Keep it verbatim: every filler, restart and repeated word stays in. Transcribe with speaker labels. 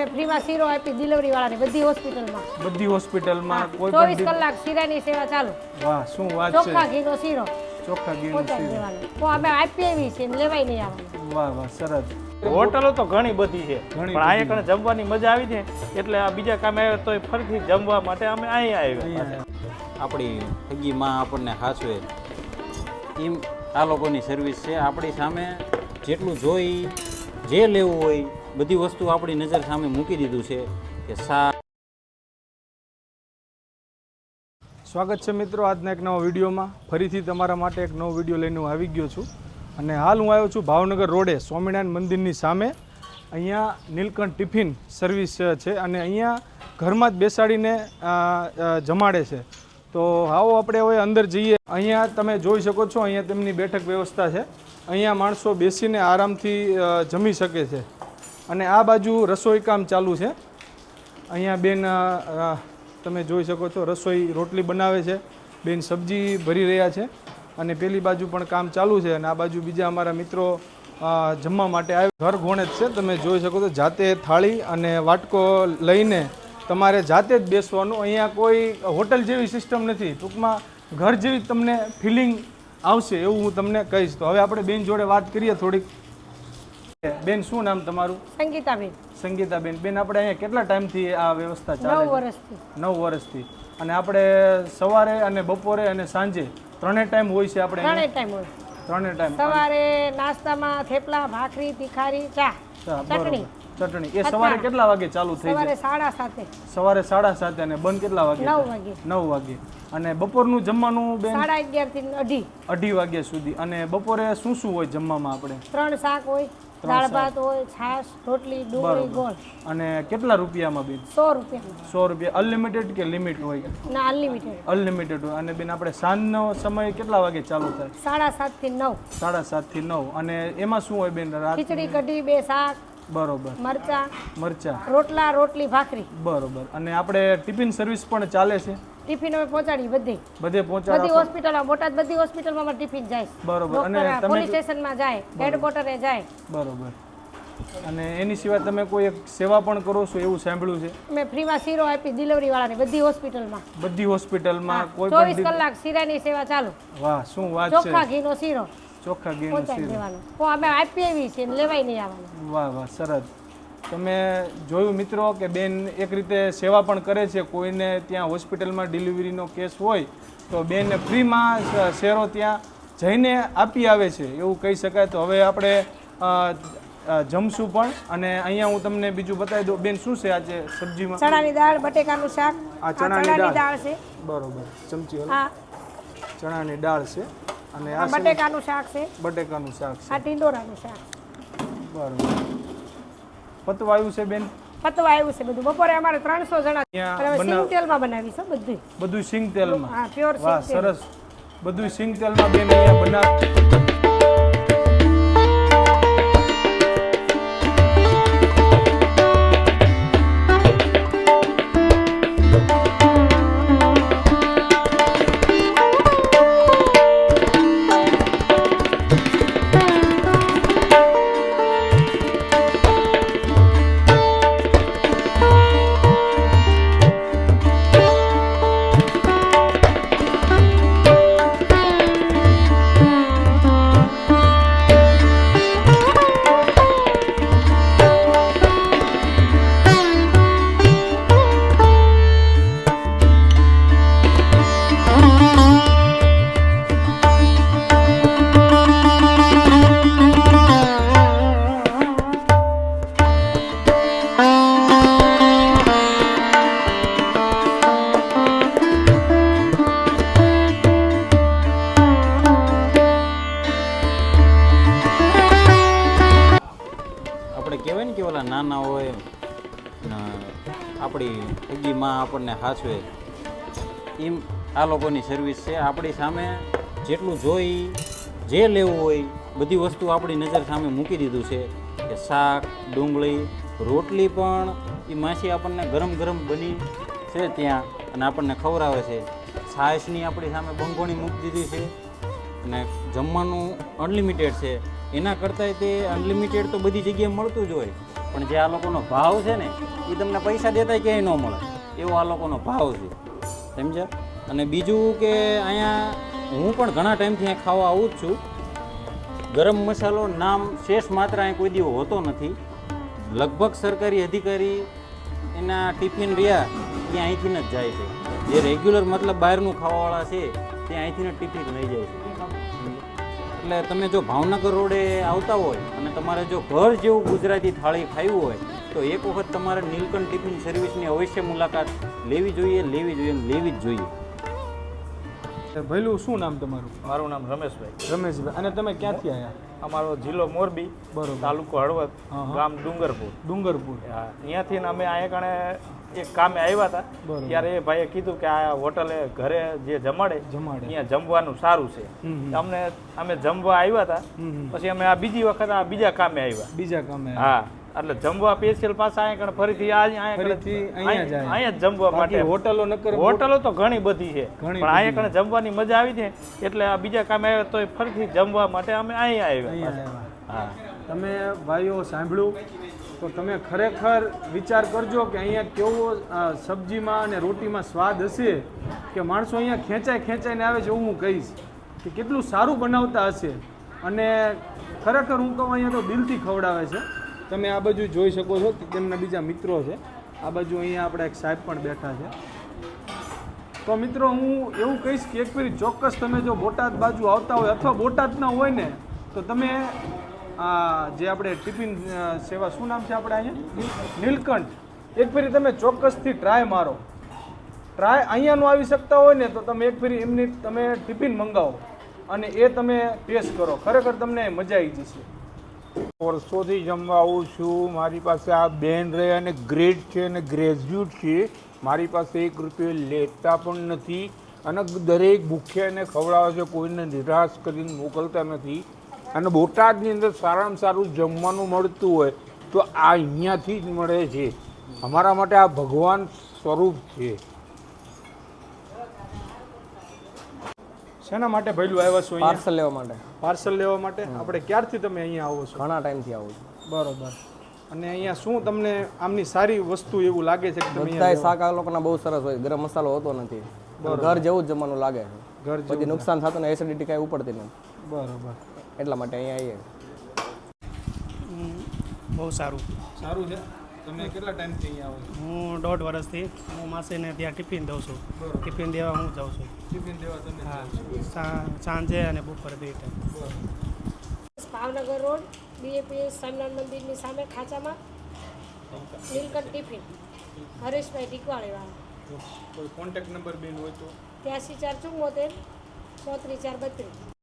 Speaker 1: અમે ફ્રીમાં શીરો આપી ડિલિવરી વાળાને બધી હોસ્પિટલમાં
Speaker 2: બધી હોસ્પિટલમાં કોઈ
Speaker 1: ચોવીસ
Speaker 2: પણ
Speaker 1: કલાક શીરાની સેવા ચાલુ.
Speaker 2: વાહ શું વાત છે.
Speaker 1: ચોખ્ખા ઘીનો શીરો
Speaker 2: ચોખ્ખા ઘીનો
Speaker 1: પહોંચાડી
Speaker 2: શીરો.
Speaker 1: દેવાનો. તો અમે આપી એવી છે ને લેવાય નહીં આવવાનું.
Speaker 2: વાહ વાહ સરસ.
Speaker 3: હોટલો તો ઘણી બધી છે
Speaker 2: ઘણી
Speaker 3: પણ અહીંયા કણે જમવાની મજા આવી છે એટલે આ બીજા કામે આવ્યા તો ફરીથી જમવા માટે અમે અહીંયા આવ્યા.
Speaker 2: અહીંયા
Speaker 4: આપણી હગી માં આપણને હાચવે એમ આ લોકોની સર્વિસ છે. આપણી સામે જેટલું જોઈ જે લેવું હોય બધી વસ્તુ આપણી નજર સામે મૂકી દીધું છે કે સા
Speaker 2: સ્વાગત છે મિત્રો આજના એક નવા વિડીયોમાં. ફરીથી તમારા માટે એક નવો વિડીયો લઈને હું આવી ગયો છું અને હાલ હું આવ્યો છું ભાવનગર રોડે સ્વામિનારાયણ મંદિરની સામે. અહીંયા નીલકંઠ ટિફિન સર્વિસ છે અને અહીંયા ઘરમાં જ બેસાડીને જમાડે છે. તો આવો આપણે હવે અંદર જઈએ. અહીંયા તમે જોઈ શકો છો અહીંયા તેમની બેઠક વ્યવસ્થા છે. અહીંયા માણસો બેસીને આરામથી જમી શકે છે અને આ બાજુ રસોઈ કામ ચાલુ છે. અહીંયા બેન તમે જોઈ શકો છો રસોઈ રોટલી બનાવે છે, બેન સબ્જી ભરી રહ્યા છે અને પેલી બાજુ પણ કામ ચાલુ છે અને આ બાજુ બીજા અમારા મિત્રો જમવા માટે આવે. ઘર ઘોણે જ છે, તમે જોઈ શકો છો. જાતે થાળી અને વાટકો લઈને તમારે જાતે જ બેસવાનું. અહીંયા કોઈ હોટલ જેવી સિસ્ટમ નથી. ટૂંકમાં ઘર જેવી તમને ફિલિંગ આવશે એવું હું તમને કહીશ. તો હવે આપણે બેન જોડે વાત કરીએ થોડીક. બેન શું નામ તમારું?
Speaker 1: સંગીતાબેન.
Speaker 2: સંગીતાબેન. બેન આપણે અહીંયા કેટલા ટાઈમથી આ વ્યવસ્થા ચાલે?
Speaker 1: નવ વર્ષથી.
Speaker 2: નવ વર્ષથી. અને આપણે સવારે અને બપોરે અને સાંજે ત્રણેય ટાઈમ હોય છે આપણે?
Speaker 1: ત્રણેય ટાઈમ હોય.
Speaker 2: ત્રણેય ટાઈમ.
Speaker 1: સવારે નાસ્તામાં થેપલા, ભાખરી, તીખારી, ચા, ચટણી.
Speaker 2: ચટણી એ સવારે કેટલા વાગે ચાલુ થઈ
Speaker 1: સવારે
Speaker 2: જાય?
Speaker 1: સાડા સાતે.
Speaker 2: સવારે સાડા સાતે અને બંધ કેટલા વાગે?
Speaker 1: નવ વાગે.
Speaker 2: નવ વાગે. અને બપોરનું જમવાનું બેન?
Speaker 1: સાડા અગિયાર થી અઢી.
Speaker 2: અઢી વાગ્યા સુધી. અને બપોરે શું શું હોય જમવામાં આપણે?
Speaker 1: ત્રણ શાક હોય, દાળ ભાત હોય, છાશ, રોટલી, ડુંગળી, ગોળ.
Speaker 2: અને કેટલા રૂપિયામાં બેન?
Speaker 1: સો રૂપિયા.
Speaker 2: સો રૂપિયા. અનલિમિટેડ કે લિમિટ હોય?
Speaker 1: ના અનલિમિટેડ.
Speaker 2: અનલિમિટેડ હોય. અને બેન આપણે સાંજનો સમય કેટલા વાગે ચાલુ થાય?
Speaker 1: સાડા સાત થી નવ.
Speaker 2: સાડા સાત થી નવ. અને એમાં શું હોય બેન? રાત
Speaker 1: ખીચડી કઢી, બે શાક,
Speaker 2: બરોબર,
Speaker 1: મરચા,
Speaker 2: મરચા,
Speaker 1: રોટલા, રોટલી, ભાખરી.
Speaker 2: બરોબર. અને આપણે ટિફિન સર્વિસ પણ ચાલે છે?
Speaker 1: ટિફિન અમે પહોંચાડી બધે
Speaker 2: બધે પહોંચાડો?
Speaker 1: બધી હોસ્પિટલમાં, બોટાદ બધી હોસ્પિટલમાં અમારે ટિફિન જાય.
Speaker 2: બરોબર. અને
Speaker 1: ડોક્ટર
Speaker 2: તમે
Speaker 1: પોલીસ સ્ટેશનમાં જાય, હેડક્વાર્ટરે જાય.
Speaker 2: બરોબર. અને એની સિવાય તમે કોઈ એક સેવા પણ કરો છો એવું સાંભળ્યું છે?
Speaker 1: અમે ફ્રીમાં શીરો આપી ડિલિવરી વાળાને બધી હોસ્પિટલમાં.
Speaker 2: બધી હોસ્પિટલમાં કોઈ
Speaker 1: ચોવીસ
Speaker 2: પણ?
Speaker 1: કલાક શીરાની સેવા ચાલુ.
Speaker 2: વાહ શું વાત છે.
Speaker 1: ચોખ્ખા ઘીનો શીરો
Speaker 2: ચોખ્ખા ઘીનો
Speaker 1: પહોંચાડી
Speaker 2: શીરો.
Speaker 1: દેવાનો. તો અમે આપી એવી છે ને લેવાય નહીં આવવાનું.
Speaker 2: વાહ વાહ સરસ. તમે જોયું મિત્રો કે બેન એક રીતે સેવા પણ કરે છે. કોઈને ત્યાં હોસ્પિટલમાં ડિલિવરીનો કેસ હોય તો બેન ફ્રીમાં શેરો ત્યાં જઈને આપી આવે છે એવું કહી શકાય. તો હવે આપણે જમશું પણ. અને અહીંયા હું તમને બીજું બતાવી દઉં. બેન શું છે આજે સબ્જીમાં?
Speaker 1: ચણાની દાળ, બટેકાનું શાક.
Speaker 2: આ ચણાની દાળ
Speaker 1: છે.
Speaker 2: બરોબર. ચમચી
Speaker 1: હા,
Speaker 2: ચણાની દાળ છે. અને આ
Speaker 1: બટેકાનું શાક છે.
Speaker 2: બટેકાનું શાક છે.
Speaker 1: આ ટીંડોરાનું શાક.
Speaker 2: બરોબર. પતવાયું છે બેન?
Speaker 1: પતવા આવ્યું છે બધું. બપોરે અમારે ત્રણસો જણા.
Speaker 2: અહીંયા
Speaker 1: સિંગ તેલમાં બનાવીશું બધું.
Speaker 2: બધું સિંગ તેલમાં?
Speaker 1: હા, પ્યોર સિંગ
Speaker 2: વાહ
Speaker 1: તેલ.
Speaker 2: સરસ. બધું સિંગ તેલમાં બેન અહીંયા બનાવ.
Speaker 4: કહેવાય ને કે ઓલા નાના હોય આપણી હગી માં આપણને હાચવે એમ આ લોકોની સર્વિસ છે. આપણી સામે જેટલું જોઈ જે લેવું હોય બધી વસ્તુ આપણી નજર સામે મૂકી દીધું છે કે શાક, ડુંગળી, રોટલી પણ એ માસી આપણને ગરમ ગરમ બની છે ત્યાં અને આપણને ખવડાવે છે. છાશની આપણી સામે બંગોણી મૂકી દીધી છે અને જમવાનું અનલિમિટેડ છે. એના કરતાંય તે અનલિમિટેડ તો બધી જગ્યાએ મળતું જ હોય પણ જે આ લોકોનો ભાવ છે ને એ તમને પૈસા દેતા ક્યાંય ન મળે એવો આ લોકોનો ભાવ છે, સમજ્યા? અને બીજું કે અહીંયા હું પણ ઘણા ટાઈમથી અહીંયા ખાવા આવું જ છું. ગરમ મસાલો નામ શેષ માત્ર અહીં કોઈ દિવસ હોતો નથી. લગભગ સરકારી અધિકારી એના ટિફિન રહ્યા એ અહીંથી જ જાય છે. જે રેગ્યુલર મતલબ બહારનું ખાવાવાળા છે તે અહીંથી જ ટિફિન લઈ જાય છે. એટલે તમે જો ભાવનગર રોડે આવતા હોય અને તમારે જો ઘર જેવું ગુજરાતી થાળી ખાવી હોય તો એક વખત તમારે નીલકંઠ ટિફિન સર્વિસની અવશ્ય મુલાકાત લેવી જોઈએ લેવી જોઈએ અને લેવી જ જોઈએ.
Speaker 2: ભઈલું શું નામ તમારું?
Speaker 3: મારું નામ રમેશભાઈ.
Speaker 2: રમેશભાઈ. અને તમે ક્યાંથી આવ્યા?
Speaker 3: અમારો જિલ્લો મોરબી,
Speaker 2: બરોબર.
Speaker 3: તાલુકો હળવદ,
Speaker 2: હા, હા.
Speaker 3: ગામ ડુંગરપુર.
Speaker 2: ડુંગરપુર.
Speaker 3: હા, ત્યાંથી ને અમે અહીંયા કણે એક કામે આવ્યા હતા.
Speaker 2: બરોબર.
Speaker 3: ત્યારે એ ભાઈએ કીધું કે આ હોટલે ઘરે જે જમાડે
Speaker 2: જમાડે.
Speaker 3: અહીંયા જમવાનું સારું છે.
Speaker 2: હમ, હમ.
Speaker 3: અમને અમે જમવા આવ્યા હતા.
Speaker 2: હમ, હમ.
Speaker 3: પછી અમે આ બીજી વખત આ બીજા કામે આવ્યા.
Speaker 2: બીજા કામે.
Speaker 3: હા, એટલે જમવા સ્પેશિયલ પાછા અહીંયા કણે ફરીથી આ અહીંયા કણે-
Speaker 2: ફરીથી અહીંયા જાય.
Speaker 3: અહીંયા જ જમવા
Speaker 2: બાકી
Speaker 3: માટે.
Speaker 2: હોટલો નકર
Speaker 3: હોટલો તો ઘણી બધી છે,
Speaker 2: ઘણી
Speaker 3: પણ અહીંયા
Speaker 2: બધી
Speaker 3: કણે જમવાની મજા આવી છે એટલે આ બીજા કામે આવ્યા તો ફરીથી જમવા માટે અમે અહીંયા આવ્યા
Speaker 2: અહીંયા
Speaker 3: પાછા.
Speaker 2: આવ્યા.
Speaker 3: હા,
Speaker 2: તમે ભાઈઓ સાંભળ્યું તો તમે ખરેખર વિચાર કરજો કે અહીંયા કેવો અ, સબ્જીમાં અને રોટીમાં સ્વાદ હશે કે માણસો અહીંયા ખેંચાઈ ખેંચાઈને આવે છે એવું હું કહીશ કે કેટલું સારું બનાવતા હશે. અને ખરેખર હું કહું અહીંયા તો દિલથી ખવડાવે છે. તમે આ બાજુ જોઈ શકો છો કે તેમના બીજા મિત્રો છે. આ બાજુ અહીંયા આપણા એક સાહેબ પણ બેઠા છે. તો મિત્રો હું એવું કહીશ કે એક ફેરી ચોક્કસ તમે જો બોટાદ બાજુ આવતા હોય અથવા બોટાદના હોય ને તો તમે આ જે આપણે ટિફિન અ, સેવા શું નામ છે આપણે અહીંયા નીલકંઠ એક ફેરી તમે ચોક્કસથી ટ્રાય મારો. ટ્રાય અહીંયાનું આવી શકતા હોય ને તો તમે એક ફેરી એમની તમે ટિફિન મંગાવો અને એ તમે ટેસ્ટ કરો. ખરેખર તમને મજા આવી જશે.
Speaker 5: વર્ષોથી જમવા આવું છું. મારી પાસે આ બેન રહે અને ગ્રેડ છે અને ગ્રેજ્યુએટ છે. મારી પાસે એક રૂપિયો લેતા પણ નથી અને દરેક ભૂખ્યાને ખવડાવે છે, કોઈને નિરાશ કરીને મોકલતા નથી. અને બોટાદની અંદર સારામાં સારું જમવાનું મળતું હોય તો આ અહીંયાથી જ મળે છે. અમારા માટે આ ભગવાન સ્વરૂપ છે.
Speaker 2: શેના માટે ભઈલું આવ્યા છો અહીંયા?
Speaker 6: પાર્સલ લેવા માટે.
Speaker 2: પાર્સલ લેવા માટે. આપણે ક્યારથી તમે અહીંયા આવો છો?
Speaker 6: ઘણા ટાઈમથી આવું છું.
Speaker 2: બરોબર. અને અહીંયા શું તમને આમની સારી વસ્તુ એવું લાગે છે કે તમે
Speaker 6: બધાય
Speaker 2: અહીંયા
Speaker 6: શાક આ લોકોના બહુ સરસ હોય, ગરમ મસાલો હોતો નથી, ઘર જેવું જ જમવાનું લાગે છે.
Speaker 2: ઘર
Speaker 6: પછી
Speaker 2: જેવું?
Speaker 6: નુકસાન થતું ને એસિડિટી કાંઈ ઉપડતી નથી,
Speaker 2: બરોબર.
Speaker 6: એટલા માટે અહીંયા આવીએ.
Speaker 7: બહુ સારું.
Speaker 2: સારું છે. તમે કેટલા ટાઈમથી અહીંયા આવો છો?
Speaker 7: હું દોઢ વર્ષથી હું માસીને ત્યાં ટિફિન દઉં છું.
Speaker 2: બરોબર.
Speaker 7: ટિફિન દેવા હું જાઉં છું.
Speaker 2: ટિફિન દેવા તમે
Speaker 7: હા,
Speaker 2: જાઓ છો.
Speaker 7: સા- સાંજે અને બપોરે બે ટાઈમ.
Speaker 2: બરોબર.
Speaker 1: ભાવનગર રોડ બીએપીએસ સ્વામિનારાયણ મંદિરની સામે ખાંચામાં નીલકંઠ ટિફિન હરેશભાઈ ટીકવાળીવાળા.
Speaker 2: કોઈ કોન્ટેક્ટ નંબર બેન હોય તો?
Speaker 1: ત્યાંસી ચાર ચુમ્મોતેર ચોત્રીસ ચાર બત્રીસ.